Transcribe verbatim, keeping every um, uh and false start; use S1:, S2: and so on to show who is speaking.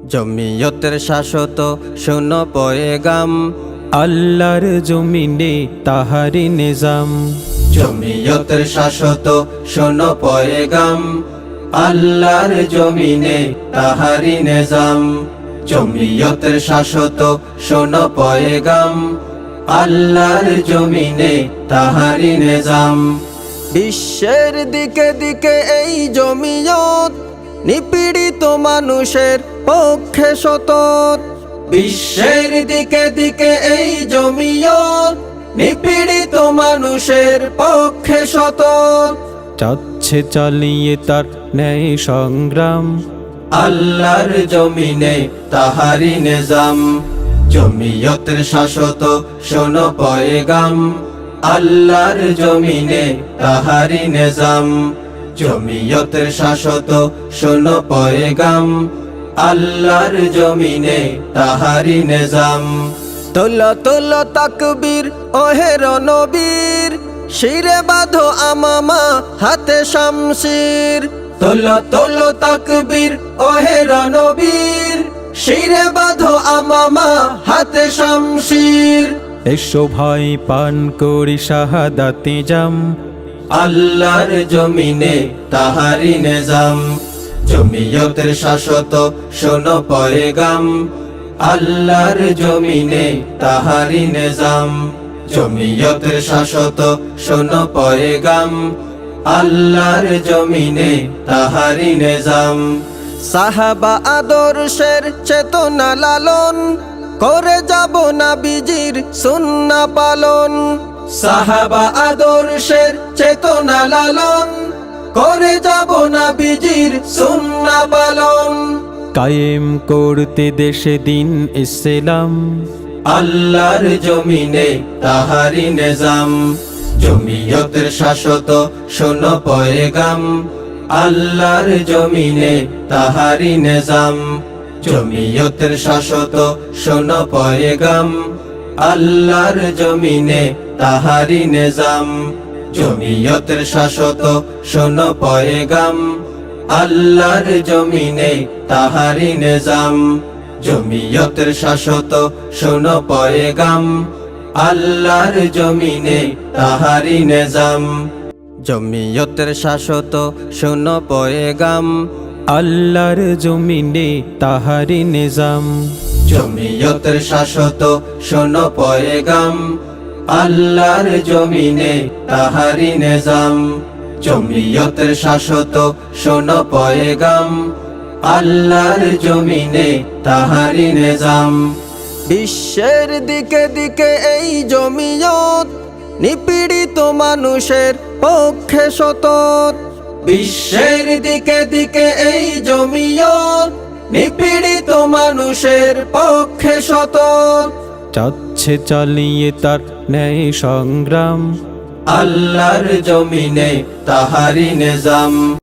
S1: জমিয়তের শাশ্বত শোনো পয়গাম,
S2: আল্লাহর জমিনে তাহারি নিজাম।
S1: জমিয়তের শাশ্বত শোনো পয়গাম, আল্লাহর জমিনে তাহারি নিজাম। জমিয়তের শাশ্বত শোনো পয়গাম, আল্লাহর জমিনে তাহারি নিজাম। বিশ্বের দিকে দিকে এই জমিয়ত, নিপীড়িত মানুষের পক্ষে সতত। বিশ্বের দিকে দিকে এই জমিয়ত, নিপীড়িত মানুষের পক্ষে সতত।
S2: চাচ্ছে চালিয়ে তার ন্যায় সংগ্রাম,
S1: আল্লাহর জমিনে তাহারি নিজাম। জমিয়তের শাশ্বত শোনো পয়গাম, আল্লাহর জমিনে তাহারি নিজাম। জমিয়তের শাশ্বত শোনো পয়গাম, আল্লাহর জমিনে তাহারি নিজাম। তোলো তোলো তাকবীর ওহে রণবীর, শিরে বাঁধো আমামা হাতে শামশির। তোলো তোলো তাকবীর ওহে রণবীর, শিরে বাঁধো আমামা হাতে শামশির।
S2: এসো ভাই পান করি শাহাদাতে জাম,
S1: আল্লাহর জমিনে তাহারি নিজাম। জমিয়তের শাশ্বত শোনো পয়গাম, আল্লাহর জমিনে তাহারি নিজাম। জমিয়তের শাশ্বত শোনো পয়গাম, আল্লাহর জমিনে তাহারি নিজাম। সাহাবা আদর্শের চেতনা লালন, করে যাব নবীজির সুন্নাহ পালন। সাহাবা আদর্শের চেতনা লালন, করে যাব নবীজির সুন্নাহ পালন।
S2: কায়েম করতে দেশে দিন ইসলাম,
S1: আল্লাহর জমিনে তাহারি নিজাম। জমিয়তের শাশ্বত শোনো পয়গাম, আল্লাহর জমিনে তাহারি নিজাম। জমিয়তের শাশ্বত শোনো পয়গাম, আল্লাহর জমিনে তাহারি নিজাম। জমিয়তের শাশ্বত শোনো পয়গাম, আল্লাহর জমিনে তাহারি নিজাম। জমিয়তের শাশ্বত শোনো পয়গাম, আল্লাহর জমিনে তাহারি নিজাম। জমিয়তের শাশ্বত শোনো পয়গাম,
S2: আল্লাহর জমিনে তাহারি নিজাম।
S1: জমিয়তের শাশ্বত শোনো পয়গাম, আল্লাহর জমিনে তাহারি নিজাম। জমিয়তের শাশ্বত শোনো পয়গাম, আল্লাহর জমিনে তাহারি নিজাম। বিশ্বের দিকে দিকে এই জমিয়ত, নিপীড়িত মানুষের পক্ষে সতত। বিশ্বের দিকে দিকে এই জমিয়ত, নিপীড়িত মানুষের পক্ষে সতত।
S2: চাচ্ছে চালিয়ে তার ন্যায় সংগ্রাম,
S1: আল্লাহর জমিনে তাহারি নিজাম।